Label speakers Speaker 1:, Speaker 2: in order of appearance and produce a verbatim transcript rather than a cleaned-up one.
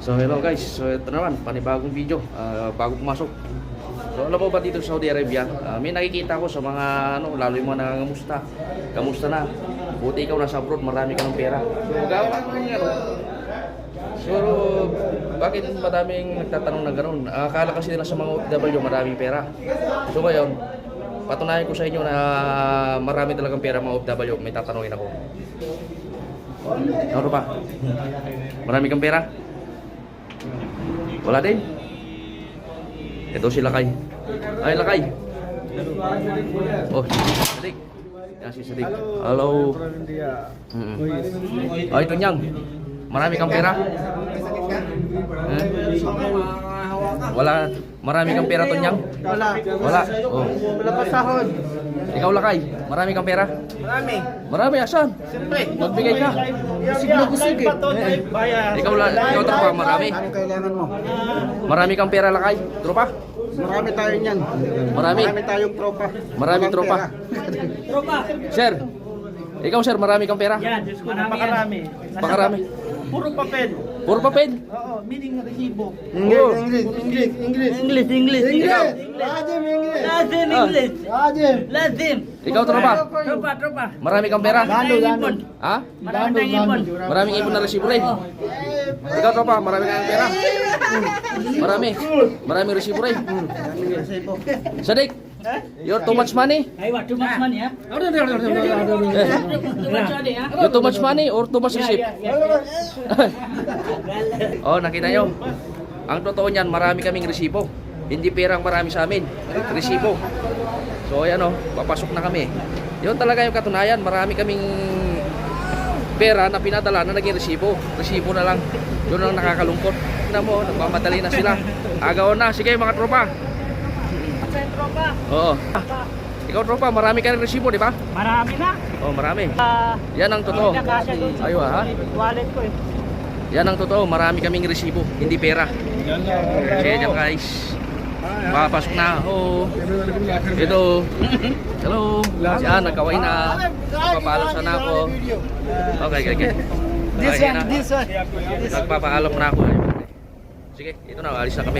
Speaker 1: So hello guys, so ito naman, panibagong video, uh, bago pumasok. So alam mo ba dito sa Saudi Arabia, uh, may nakikita ko sa mga ano, lalo yung mga nangangamusta. Kamusta na? Buti ikaw nasa abroad, marami ka ng pera. So gawa ko ng ano. So bakit madaming nagtatanong na gano'n? Uh, akala kasi nila sa mga O F W maraming pera. So ngayon, patunayan ko sa inyo na marami talagang pera mga O F W. May tatanungin ako. Ano ba? Marami kang pera? Wala din? Ito si Lakay. Ay, Lakay. Oh, Sadik. Yan si Sadik. Hello. Mm -hmm. Oh, ito niyang. Marami kang pera? Eh? Wala. Marami kang pera to niyang?
Speaker 2: Wala.
Speaker 1: Wala. Oh.
Speaker 2: Wala pa sahod.
Speaker 1: Ikaw, Lakay. Marami kang pera?
Speaker 2: Marami.
Speaker 1: Marami, asan?
Speaker 2: Siyempre.
Speaker 1: Magbigay ka.
Speaker 2: Kusig na kusig eh.
Speaker 1: Ikaw, ikaw tropa, marami.
Speaker 2: Ano kailangan mo?
Speaker 1: Marami kang pera, Lakay? Tropa?
Speaker 2: Marami tayo niyan.
Speaker 1: Marami?
Speaker 2: Marami tayong tropa.
Speaker 1: Maraming
Speaker 2: Walang
Speaker 1: tropa.
Speaker 2: pera.
Speaker 3: Tropa.
Speaker 1: Sir, ikaw sir, marami kang pera?
Speaker 3: Yan, Diyos ko, napakarami.
Speaker 1: Pakarami.
Speaker 3: Puro papel.
Speaker 1: Puro papel?
Speaker 3: Oo, meaning resibo.
Speaker 2: English, English, English, English.
Speaker 3: English, English.
Speaker 1: Ikaw?
Speaker 2: Lazim English.
Speaker 3: Lazim,
Speaker 1: Ah.
Speaker 3: English.
Speaker 2: Lazim.
Speaker 3: Lazim.
Speaker 1: Ikaw tropa?
Speaker 3: Tropa, tropa.
Speaker 1: Marami kang pera?
Speaker 2: Lando, lando.
Speaker 1: Ha?
Speaker 3: Marami tayong ipon.
Speaker 1: Maraming ipon na resibo rin? Ikaw tropa, marami kang pera? Marami? Maraming resibo rin? Sadik, you're too much money?
Speaker 3: Ay, what, too much money, ha?
Speaker 1: Eh,
Speaker 3: Too much money, ha?
Speaker 1: you too much money or too much receipt?
Speaker 3: Yeah, yeah,
Speaker 1: Oh, nakita nyo? Ang totoo niyan, marami kaming resibo. Hindi perang marami sa amin. Resibo. So, ayan o, papasok na kami. Yun talaga yung katunayan. Marami kaming pera na pinadala na naging resibo. Resibo na lang. Yun ang nakakalungkot. Tignan mo, nagmamadali na sila. Agaw na. Sige mga tropa.
Speaker 3: Sa tropa.
Speaker 1: Oo. Ikaw tropa, marami ka rin resibo, di ba?
Speaker 3: Marami na.
Speaker 1: Oo, marami.
Speaker 3: Ah,
Speaker 1: Yan ang totoo.
Speaker 3: hindi na kasya doon sa
Speaker 1: Aywa, ha?
Speaker 3: wallet ko eh.
Speaker 1: Yan ang totoo, marami kaming resibo, hindi pera. Kaya dyan guys, papasok na ako. Ito, hello. Yan, nagkaway na. Nagpapaalam sana ako. Okay, okay, okay.
Speaker 2: This
Speaker 1: Okay
Speaker 2: one,
Speaker 1: na.
Speaker 2: this one.
Speaker 1: Nagpapaalam na ako. Sige, ito na, alis na kami.